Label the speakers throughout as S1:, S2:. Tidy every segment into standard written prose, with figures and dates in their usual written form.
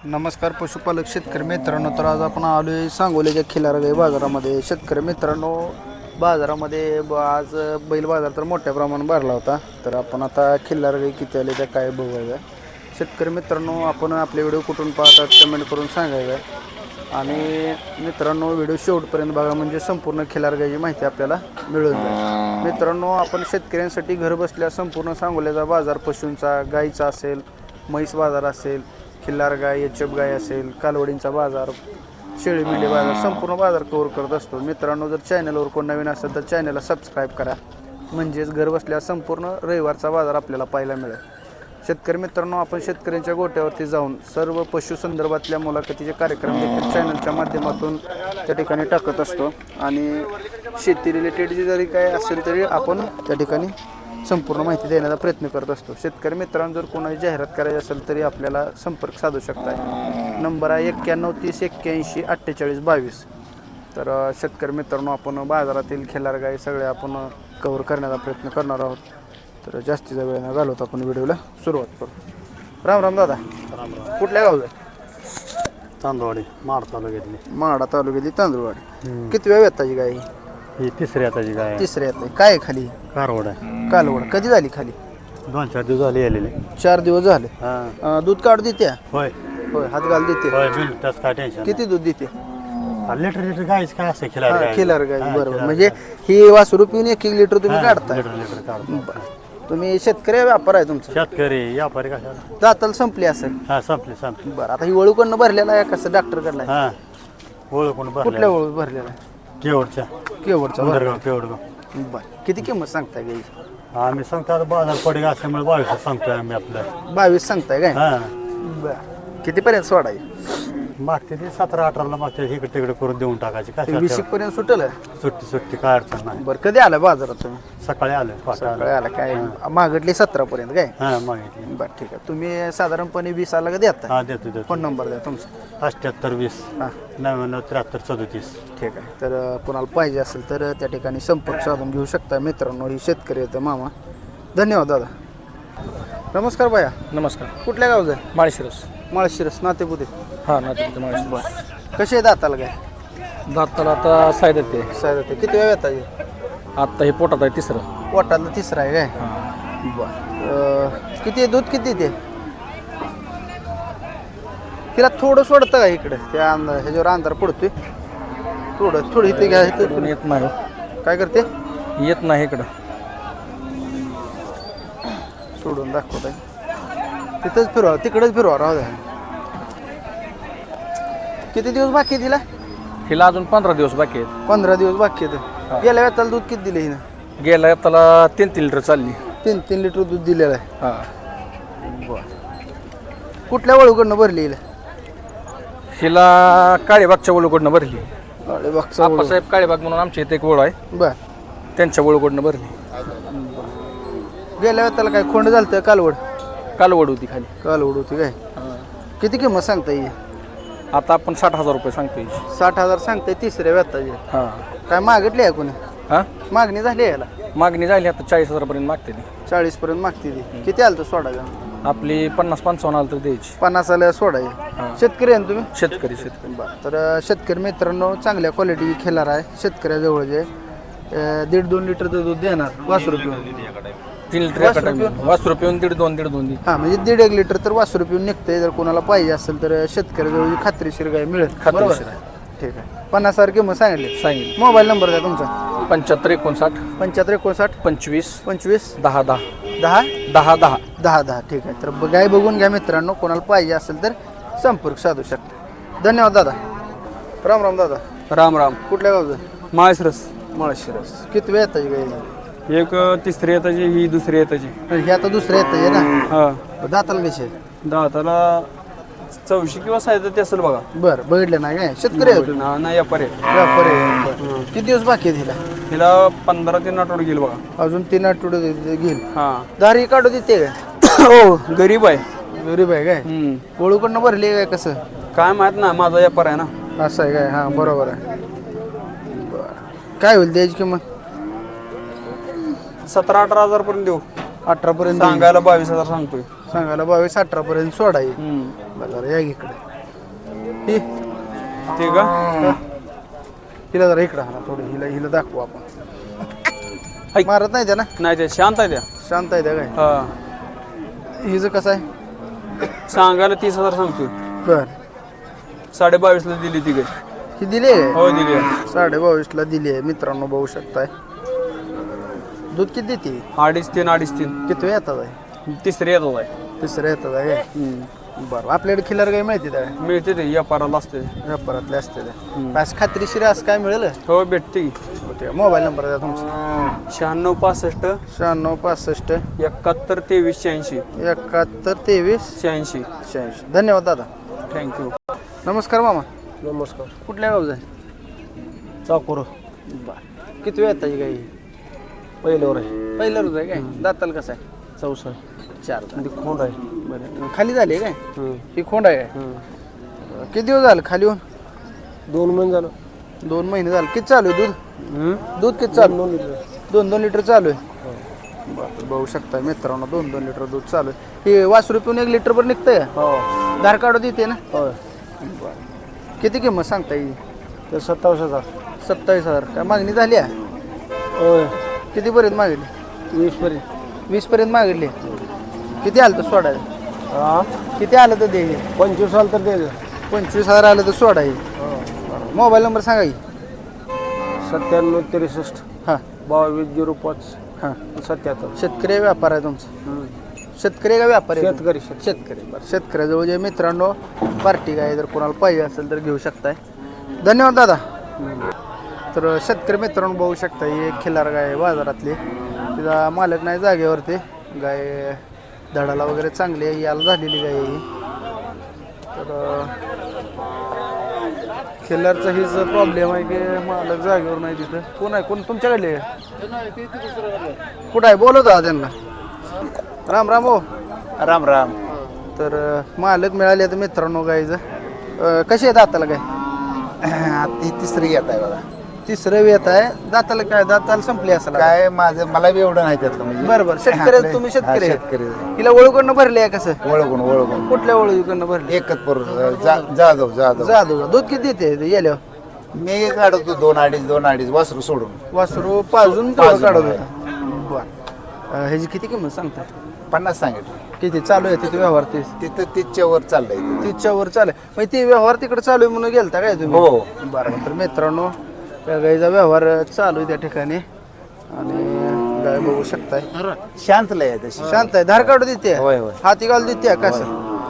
S1: नमस्कार पशुपालक शेतकरी मित्रांनो. तर आज आपण आलो आहे सांगोल्याच्या खिलारगाई बाजारामध्ये. शेतकरी मित्रांनो, बाजारामध्ये आज बैल बाजार तर मोठ्या प्रमाणात भरला होता. तर आपण आता खिल्लारगाई किती आले त्या काय बघूया. शेतकरी मित्रांनो, आपण आपले व्हिडिओ कुठून पाहतात कमेंट करून सांगायचं. आणि मित्रांनो, व्हिडिओ शेवटपर्यंत बघा म्हणजे संपूर्ण खिल्लारगाईची माहिती आपल्याला मिळून जाईल. मित्रांनो, आपण शेतकऱ्यांसाठी घर बसल्या संपूर्ण सांगोल्याचा बाजार, पशूंचा, गाईचा असेल, म्हैस बाजार असेल, खिल्लार गाय, एचएफ गाय असेल, कालवडींचा बाजार, शेळी मेंढी बाजार, संपूर्ण बाजार कव्हर करत असतो. मित्रांनो, जर चॅनलवर कोण नवीन असेल तर चॅनलला सबस्क्राईब करा, म्हणजेच घर बसल्या संपूर्ण रविवारचा बाजार आपल्याला पाहायला मिळेल. शेतकरी मित्रांनो, आपण शेतकऱ्यांच्या गोट्यावरती जाऊन सर्व पशु संदर्भातल्या मुलाखतीचे कार्यक्रम देखील चॅनलच्या माध्यमातून त्या ठिकाणी टाकत असतो. आणि शेती रिलेटेड जरी काय असेल तरी आपण त्या ठिकाणी संपूर्ण माहिती देण्याचा प्रयत्न करत असतो. शेतकरी मित्रांनो, जर कोणाची जाहिरात करायची असेल तरी आपल्याला संपर्क साधू शकताय. नंबर आहे 91 30 81 48 22. तर शेतकरी मित्रांनो, आपण बाजारातील खिल्लार गाय सगळे आपण कव्हर करण्याचा प्रयत्न करणार आहोत. तर जास्तीचा वेळ न घालवता आपण व्हिडिओला सुरुवात करू. राम राम दादा.
S2: राम राम.
S1: कुठल्या गावचं?
S2: तांदवाडी माड तालुक्यातली.
S1: माडा तालुक्यातली तांदूळवाडी. किती वेळ येताची गाय?
S2: ही तिसरी आताची गाय.
S1: तिसऱ्या येत काय आहे खाली?
S2: कारवड आहे.
S1: कालवड. कधी झाली खाली?
S2: 2-4 दिवस झाले आलेले.
S1: 4 दिवस झाले.
S2: हां
S1: दूध काढू देते?
S2: होय
S1: होय, हात घाल देते.
S2: होय बिलटाच काय टेन्शन.
S1: किती दूध देते?
S2: लिटर गायच काय असं खिलार गाय.
S1: खिलार गाय, बरोबर. म्हणजे ही वासरू पिऊन 1-1 लिटर तुम्ही काढताय.
S2: लिटर काढतो.
S1: तुम्ही शेतकरी व्यापार आहे तुमचा?
S2: शेतकरी व्यापारी कशाला.
S1: दाताला संपली असेल.
S2: हा संपली.
S1: बरं, आता ही वळूकडनं भरलेला आहे कसं डॉक्टर कडला?
S2: हा ओळखून
S1: कुठल्या वळू भरलेला आहे?
S2: केवडच्या
S1: केवडचा.
S2: उंदरगाव केवडगाव.
S1: बरं, किती किंमत सांगताय गाई?
S2: आम्ही सांगतो आता बाजार पडेल असल्यामुळे 22 सांगतोय आम्ही आपलं.
S1: 22 सांगताय काय?
S2: हा
S1: बरं, कितीपर्यंत सोडाय?
S2: मागते ते 17-18ला मागते. इकडे तिकडे करून देऊन टाकायचे काय
S1: 20 पर्यंत सुटल?
S2: सुट्टी काय अडचण नाही.
S1: बरं, कधी आला बाजारात तुम्ही?
S2: सकाळी आलं
S1: सकाळी आला काय? मागटली 17 पर्यंत काय?
S2: हा मागितली.
S1: बरं, ठीक आहे. तुम्ही साधारणपणे 20 आला का देता?
S2: हा देतो.
S1: फोन नंबर द्या तुमचा.
S2: 78 20
S1: हां,
S2: 99 73 34.
S1: ठीक आहे. तर कोणाला पाहिजे असेल तर त्या ठिकाणी संपर्क साधून घेऊ शकता. मित्रांनो, ही शेतकरी येतं मामा. धन्यवाद दादा. नमस्कार भैया.
S3: नमस्कार.
S1: कुठल्या गावचं आहे?
S3: माळशिरस.
S1: माळशिरस नातेपुते.
S3: हां नाते माळशिरस.
S1: कसे आहे दाताला काय?
S3: दाताला आता सायद ते
S1: साहेब ते किती वेळ येतात?
S3: आत्ता हे पोटात आहे तिसरं.
S1: पोटातलं तिसरं आहे काय?
S3: हां.
S1: बरं. किती आहे दूध? किती ते? तिला थोडं सोडतं का इकडे? त्या ह्याच्यावर अंधार पडतोय. थोडं इथे घ्या.
S3: इकडून येत नाही.
S1: काय करते?
S3: येत नाही इकडं.
S1: सोडून दाखवत आहे. तिथंच फिरवा, तिकडेच फिरवा. राहू द्या. किती दिवस बाकी आहे तिला?
S3: हिला अजून 15 दिवस बाकी आहेत.
S1: 15 दिवस बाकी आहेत. गेल्या वेळेला दूध किती दिले हिनं?
S3: गेला त्याला 3 लिटर चालली.
S1: 3 लिटर दूध दिलेलं आहे.
S3: हां.
S1: बरं. कुठल्या वळूकडनं भरली हिला?
S3: हिला काळेबागच्या वळूकडनं भरली.
S1: अरे बघा.
S3: आप्पासाहेब काळेबाग म्हणून आमच्या इथे एक वळ आहे,
S1: बर.
S3: त्यांच्या वळूकडनं भरली.
S1: गेल्या वेळेला काय खोंड झालं? कालवड.
S3: कालवड होती खाली.
S1: कालवड होती काय? किती किंमत सांगता येईल?
S3: आता आपण 60,000 रुपये सांगतोय.
S1: 60,000 सांगताय तिसऱ्या व्यताची.
S3: हां.
S1: काय मागितली आहे कोणी?
S3: हां,
S1: मागणी झाली आहे याला?
S3: मागणी झाली आता 40,000 पर्यंत मागते ती.
S1: 40 पर्यंत मागते ती. किती आलं तर सोडायचं?
S3: आपली 50-55 आलं तर द्यायची.
S1: 50 आलं सोडायचं. शेतकरी आहे ना तुम्ही?
S3: शेतकरी.
S1: बरं. तर शेतकरी मित्रांनो, चांगल्या क्वालिटी खिलार आहे. शेतकऱ्याजवळ जे 1.5-2 लिटर दूध देणार वासरू पिऊन.
S3: 3 लिटर वासरू पिऊन 1.5-2
S1: हां, म्हणजे 1.5-1 लिटर तर वासरू पिऊन निघते. जर कोणाला पाहिजे असेल तर शेतकऱ्याजवळ खात्रीशीर गाय मिळेल.
S3: खात्रीशीर आहे.
S1: ठीक आहे. 50,000 किंमत सांगितली.
S3: सांगितलं.
S1: मोबाईल नंबर द्या तुमचा.
S3: 75 59
S1: 75 59
S3: 25
S1: 25
S3: 10 10
S1: 10
S3: 10 10.
S1: 10 10. ठीक आहे. तर गाय बघून घ्या मित्रांनो. कोणाला पाहिजे असेल तर संपर्क साधू शकता. धन्यवाद दादा. राम राम दादा.
S3: राम राम.
S1: कुठल्या गावचं?
S3: माळशिरस.
S1: माळशिरस. किती वेळ येताची गाय?
S3: एक तिसरी येताची, ही दुसरी येताची.
S1: हे आता दुसरं येतं आहे ना?
S3: हा.
S1: दाताला कसे?
S3: दाताला 84 किंवा 37 असेल बघा.
S1: बरं, बघितलं नाही काय? शेतकरी आहे तुम्ही?
S3: नाही व्यापारी.
S1: व्यापारी आहे. बरं. किती दिवस बाकी आहे तिला?
S3: तिला 15 ते आठवडे गेल बघा.
S1: अजून 3 आठवडे घेईल.
S3: हा.
S1: दारी काढू देते काय?
S3: हो, गरीब आहे.
S1: गरीब आहे काय? ओळूकडनं भरली आहे काय? कसं
S3: काय माहित ना, माझा व्यापार आहे ना.
S1: असं आहे काय? हां, बरोबर आहे. बरं. काय होईल त्याची किंमत?
S3: 17-18 हजार पर्यंत देऊ.
S1: 18 पर्यंत
S3: सांगायला 22,000 सांगतोय.
S1: सांगायला 22-18 पर्यंत सोडा येईल. बरं, या इकडे. ही
S3: ते का
S1: हिला जरा इकडं हा थोडी हिला दाखवू आपण
S3: ऐक.
S1: मारत नाही त्या ना
S3: नाही ते शांत आहे त्या
S1: शांत आहे त्या काय
S3: हा
S1: हिचं कसं आहे
S3: सांगायला 30,000 सांगतोय
S1: बर
S3: 22.5 दिली ती काय
S1: ही दिली आहे
S3: हो दिली
S1: 22.5 दिली आहे मित्रांनो बघू शकताय दूध किती देते
S3: 2.5-3
S1: किती येतात आहे
S3: तिसरी येतो आहे
S1: तिसऱ्या येतात आहे बरं आपल्याकडे खिल्लार काही माहिती त्या
S3: मिळते ते व्यापाराला असते
S1: व्यापारातले असते त्या असं खात्रीशीर असं काय मिळेल
S3: हो भेटते की
S1: ते मोबाईल नंबर द्या तुमचा
S3: 9665
S1: 9665
S3: 71 23
S1: 71 23
S3: 86
S1: 86 धन्यवाद दादा
S3: थँक्यू
S1: नमस्कार मामा
S2: नमस्कार
S1: कुठल्या गावचं आहे
S2: चाकूर
S1: बरं किती वेळ येतात काही
S2: पहिल्यावर आहे
S1: पहिलं रोज आहे काय दाताल कसं आहे
S2: चौसा
S1: 4
S2: खोंड आहे
S1: बरं खाली झाली आहे काय ही खोंड आहे काय किती दिवस झालं खाली होऊन
S2: 2 महिने झालं
S1: 2 महिने झाले किती चालू आहे दूध दूध किती चालू 2-2 लिटर चालू आहे बरं बघू शकता मित्रांनो 2-2 लिटर दूध चालू आहे हे वासरू पिऊन 1 लिटरभर निघतंय का
S2: हो
S1: धार काढू देते ना
S2: होय
S1: किती किंमत सांगता येईल
S2: ते 27,000
S1: 27,000 काय मागणी झाली आहे
S2: होय
S1: कितीपर्यंत मागितली
S2: 20 पर्यंत
S1: 20 मागितली किती आलं तर सोडायला
S2: हा
S1: किती आलं तर दे
S2: 25 साल तर द्यायचं
S1: 25,000 आलं तर सोडायला मोबाईल नंबर सांगा की
S2: 97 63
S1: हां
S2: 2205
S1: हां
S2: 77
S1: शेतकरी व्यापार आहे तुमचा शेतकरी का व्यापारी आहे?
S2: शेतकरी
S1: शेतकरी बरं शेतकऱ्याजवळ जे मित्रांनो पार्टी काय जर कोणाला पाहिजे असेल तर घेऊ शकताय धन्यवाद दादा तर शेतकरी मित्रांनो बघू शकता ही एक खिल्लार गाय आहे बाजारातली तिचा मालक नाही जागेवरती गाय धडाला वगैरे चांगली आहे याला झालेली गाय आहे ही तर खिल्लारचा हीच प्रॉब्लेम आहे की मालक जागेवर नाही तिथं कोण आहे कोण तुमच्याकडले कुठं आहे बोलवता त्यांना राम राम हो
S2: राम राम
S1: तर मालक मिळाले तर मित्रांनो गायचं कशी आहे दाताला काय
S4: ती तिसरी येत आहे बघा
S1: तिसरं येत आहे दाताला काय दाताला संपली असेल
S4: काय माझं मला बी एवढं नाही त्यातलं म्हणजे
S1: बरं बरं शेतकरी तुम्ही शेतकरी आहे.
S4: शेतकरी
S1: हिला ओळखून भरले आहे कसं
S4: ओळखून
S1: कुठल्या ओळखून भरले
S4: एकच पोर जाधव
S1: जादू दूध किती देते गेल्यावर
S4: मी काढतो 2-2.5 वासरू सोडून
S1: वासरू पाजून तेवढं
S4: पाजून,
S1: काढत
S4: होय.
S1: होता बरं ह्याची किती किंमत सांगता
S4: 50 सांगितलं
S1: किती चालू आहे तिथे व्यवहार ते
S4: तिथं तिच्या वर चाललंय
S1: तिच्यावर चालू आहे मग ते व्यवहार तिकडे चालू आहे म्हणून गेलता काय तुम्ही
S4: हो
S1: बरं तर मित्रांनो त्या गाईचा व्यवहार चालू आहे त्या ठिकाणी आणि गाय बघू शकताय
S4: शांत लय आहे तशी
S1: शांत आहे धार काढू देते
S4: होय, होय.
S1: हाती घालून देते कसं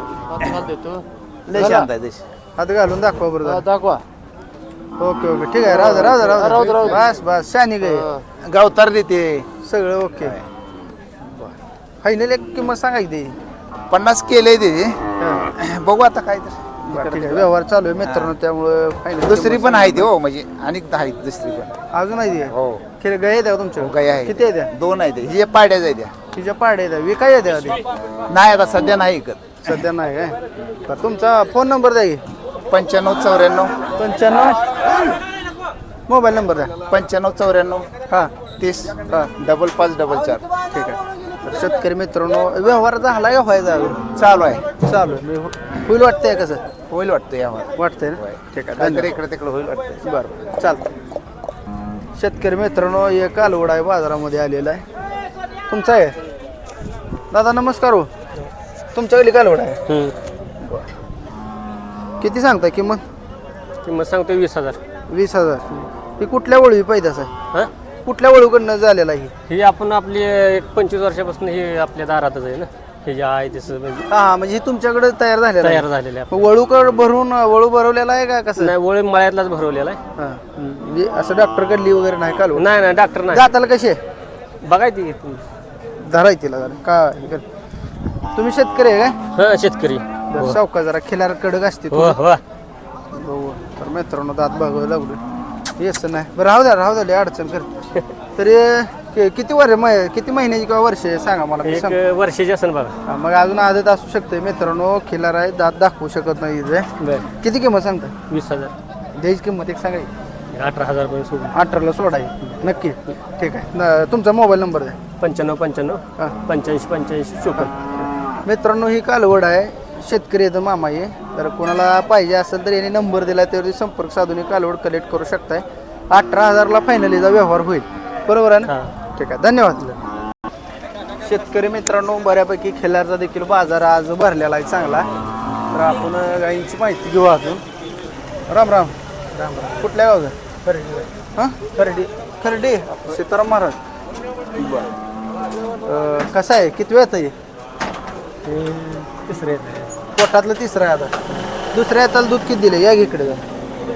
S4: लय शांत आहे तशी
S1: हात घालून दाखवा बरं
S2: दाखवा
S1: ओके ओके ठीक आहे राहू दे बस बस शानी गाय
S4: गावतार देते
S1: सगळं ओके फायनल एक किंमत सांगायची
S4: 50 केलंय ते बघू आता काय तर
S1: ठीक आहे व्यवहार चालू आहे मित्रांनो त्यामुळे फायनल
S4: दुसरी पण आहे ते हो म्हणजे अनेक आहेत दुसरी पण
S1: अजून आहे ते
S4: हो
S1: खेळ गाय द्या तुमच्या
S4: गाय आहे
S1: किती आहे त्या
S4: 2 आहे ते ही पाड्याच आहे त्या
S1: तिच्या पाड्या द्या विकाय द्या आधी
S4: नाही आता सध्या नाही ऐकत
S1: सध्या नाही काय तर तुमचा फोन नंबर द्या की
S4: 95-94
S1: 95 मोबाईल नंबर द्या
S4: 95-94
S1: हां
S4: 30 5544
S1: ठीक आहे तर शेतकरी मित्रांनो व्यवहार झाला का व्हायचा अजून
S4: चालू आहे
S1: चालू आहे होईल वाटतंय कसं
S4: होईल वाटतं यावर
S1: वाटतंय ना ठीक आहे
S4: काहीतरी इकडे तिकडे होईल वाटतं
S1: बरं चालतं शेतकरी मित्रांनो एक कालवड आहे बाजारामध्ये आलेला आहे तुमचा आहे दादा नमस्कार हो तुमच्याकडे कालवड आहे किती सांगताय किंमत
S2: सांगतो 20,000
S1: 20,000 ही कुठल्या वळवी पैदास आहे
S2: हा
S1: कुठल्या वळूकडनं झालेला ही
S2: ही आपण आपली एक 25 वर्षापासून ही आपल्या दारातच आहे ना हे जे आहे तसं म्हणजे
S1: हा म्हणजे ही तुमच्याकडे तयार झालेला आहे
S2: तयार झालेलं आहे
S1: मग वळूकड भरून वळू भरवलेला आहे का कसं
S2: नाही वळी मळ्यातलाच भरवलेला आहे
S1: हा म्हणजे असं डॉक्टर कडली वगैरे नाही कालवड
S2: नाही नाही डॉक्टर नाही
S1: दाताला कशी आहे
S2: बघायची तुम्ही
S1: धराय तिला जरा का हे कर. तुम्ही शेतकरी आहे काय
S2: हा शेतकरी
S1: जरा सावका जरा खिलार कडक असते
S2: हो हो
S1: बघू तर मित्रांनो दात बघावं लागलो येस नाही बरं राहू द्या लय अडचण करते तरी किती महिन्याची किंवा वर्ष आहे सांगा मला मी
S2: एक
S1: सांगतो.
S2: वर्षाची असेल बघा
S1: हा, मग अजून आदत असू शकते मित्रांनो खिलार आहे दात दाखवू शकत नाही इथे.
S2: बरं
S1: किती किंमत सांगता
S2: 20,000
S1: द्यायची किंमत एक सांगायची
S2: 18,000 पर्यंत सोडून
S1: 18ला सोडायची नक्की ठीक आहे तुमचा मोबाईल नंबर द्या
S2: 95 95
S1: हां
S2: 85 85 54
S1: मित्रांनो ही कालवड आहे शेतकरी येतं मामा हे, तर कोणाला पाहिजे असेल तर यांनी नंबर दिला त्यावरती संपर्क साधून हे कालवड कलेक्ट करू शकताय. 18,000ला फायनलीचा व्यवहार होईल, बरोबर आहे ना? ठीक आहे, धन्यवाद. शेतकरी मित्रांनो, बऱ्यापैकी खिल्लारचा देखील बाजार आज भरलेला आहे चांगला. तर आपण गाईंची माहिती घेऊ अजून. राम राम. राम राम. कुठल्या गावचं? हां खर्डी. खर्डी सीताराम महाराज. बरं. कसं आहे, किती वेळ आहे?
S2: तिसरे
S1: पोटातलं तिसरं आहे आता. दुसऱ्या हाताला दूध किती दिले? या इकडे जा.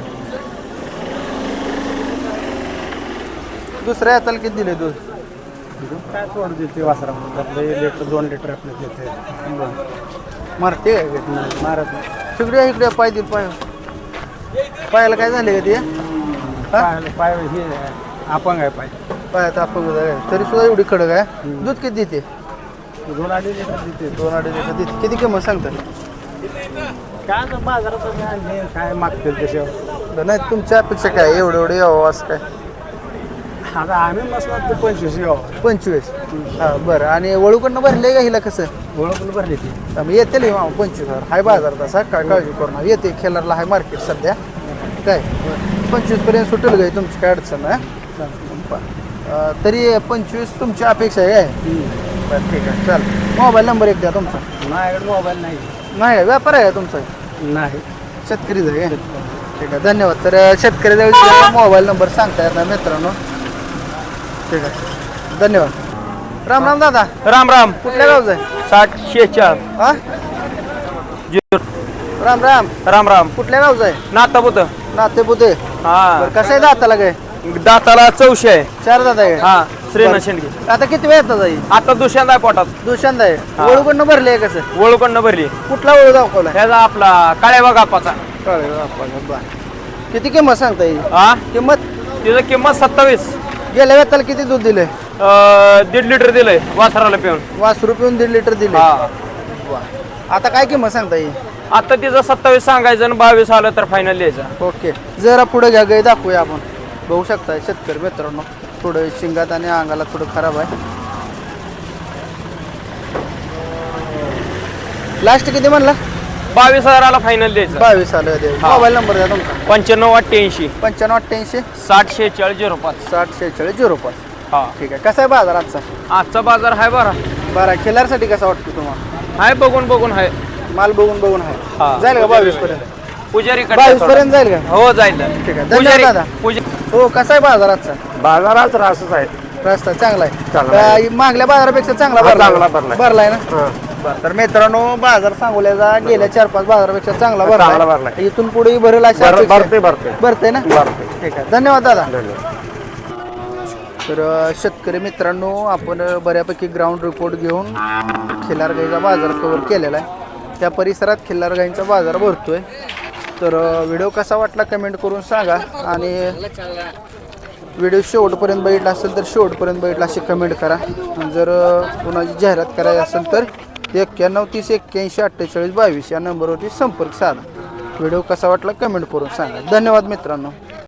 S1: दुसऱ्या हाताला किती दिले दूध?
S2: काय थोडं देते वासरामध्ये 2 लिटर आपलं देते.
S1: मारते
S2: मारत नाही.
S1: इकडे इकडे पाय दिल पाय. पायाला काय झाले का ते?
S2: पाय हे अपंग आहे पाय.
S1: पायात आपण तरी सुद्धा एवढी खडक आहे. दूध किती देते?
S2: 2-2.5 लिटर देते.
S1: 2-2.5 लिटर देते. किती किंमत सांगतात?
S2: काय आता बाजारात आणले काय मागतील त्याच्यावर.
S1: नाही तुमच्या अपेक्षा काय? एवढं यावं असं काय?
S2: आता आम्ही मसणार ते 25 गाव
S1: 25. हां बरं. आणि वळूकडनं भरले का हिला कसं?
S2: ओळखून भरली ती.
S1: मग येते मामा 25,000 हाय बाजार तसा, काय काळजी करू नका. येते खेळाडला हाय मार्केट सध्या काय 25पर्यंत सुटेल गाई तुमची, काय अडचण आहे. तरी 25 तुमची अपेक्षा आहे काय? बरं ठीक आहे, चाल. मोबाईल नंबर एक द्या तुमचा.
S2: माझ्याकडे मोबाईल नाही.
S1: नाही व्यापार आहे का तुमचा?
S2: नाही.
S1: शेतकरीच आहे. ठीक आहे, धन्यवाद. तर शेतकरी मोबाईल नंबर सांगता येत नाही मित्रांनो. ठीक आहे, धन्यवाद. राम राम दादा.
S3: राम राम.
S1: कुठल्या गावचं आहे?
S3: 60-46
S1: हा राम राम.
S3: राम राम.
S1: कुठल्या गावचं आहे?
S3: नातापुत.
S1: नातेपुते.
S3: हा
S1: बरं, कसं आहे दाताला काय?
S3: दाताला 14 आहे.
S1: 4 दात आहे का?
S3: हा श्रीनाथ शेंडगे.
S1: आता किती वेळ येतात जाई?
S3: आता दुसऱ्यांदा आहे पोटात.
S1: दुसऱ्यांदा आहे.
S3: हा.
S1: वळूकडनं भरले आहे कसं?
S3: वळूकडनं भरली.
S1: कुठला वळू दाखवला?
S3: ह्याचा आपला काळ्या बागापाचा.
S1: किती किंमत सांगता येईल?
S3: हा
S1: किंमत
S3: तिचं किंमत 27.
S1: गेल्या वेळेला किती दूध दिले?
S3: 1.5 लिटर दिलंय वासराला पिऊन.
S1: वासरू पिऊन 1.5 लिटर दिले.
S3: हा
S1: आता काय किंमत सांगता येईल?
S3: आता तिचं 27 सांगायचं आणि 22 आलं तर फायनल द्यायचं.
S1: ओके, जरा पुढे घ्या, गाई दाखवूया आपण. बघू शकता शेतकरी मित्रांनो, थोडं शिंगात आणि अंगाला थोडं खराब आहे. लास्ट किती म्हणला?
S3: 22,000ला फायनल द्यायचं.
S1: 22 आलं.
S3: हा.
S1: मोबाईल नंबर द्या तुमचा.
S3: 95-88
S1: 95-88
S3: 60-46-05.
S1: 60-46-05.
S3: हा
S1: ठीक आहे. कसा आहे बाजार आजचा?
S3: आजचा बाजार आहे बरा.
S1: बरं, खिल्लारसाठी कसा वाटतो तुम्हाला?
S3: आहे बघून आहे.
S1: माल बघून आहे.
S3: हा.
S1: जाईल का 22 पर्यंत?
S3: पुजारी
S1: 22 पर्यंत जाईल का?
S3: हो जाईल.
S1: ठीक आहे, धन्यवाद दादा. हो, कसा आहे बाजार आजचा?
S3: बाजारात रासच आहे.
S1: रस्ता चांगला आहे.
S3: चांगला आहे.
S1: का मागल्या बाजारापेक्षा चांगला
S3: चांगला भरलाय.
S1: भरलाय ना? बरं, तर मित्रांनो, बाजार सांगोल्याचा गेल्या 4-5 बाजारापेक्षा चांगला
S3: चांगला
S1: भरलाय.
S3: भरलाय.
S1: इथून पुढे भरेल अशा अपेक्षा आहे. भरते ना?
S3: भरते.
S1: ठीक आहे, धन्यवाद दादा. तर शेतकरी मित्रांनो, आपण बऱ्यापैकी ग्राउंड रिपोर्ट घेऊन खिल्लार गाईचा बाजार कव्हर केलेला आहे. त्या परिसरात खिल्लार गाईंचा बाजार भरतोय. तर व्हिडिओ कसा वाटला कमेंट करून सांगा. आणि व्हिडिओ शेवटपर्यंत बघितला असेल तर शेवटपर्यंत बघितला अशी कमेंट करा. आणि जर कोणाची जाहिरात करायची असेल तर 91 30 81 48 22 या नंबरवरती संपर्क साधा. व्हिडिओ कसा वाटला कमेंट करून सांगा. धन्यवाद मित्रांनो.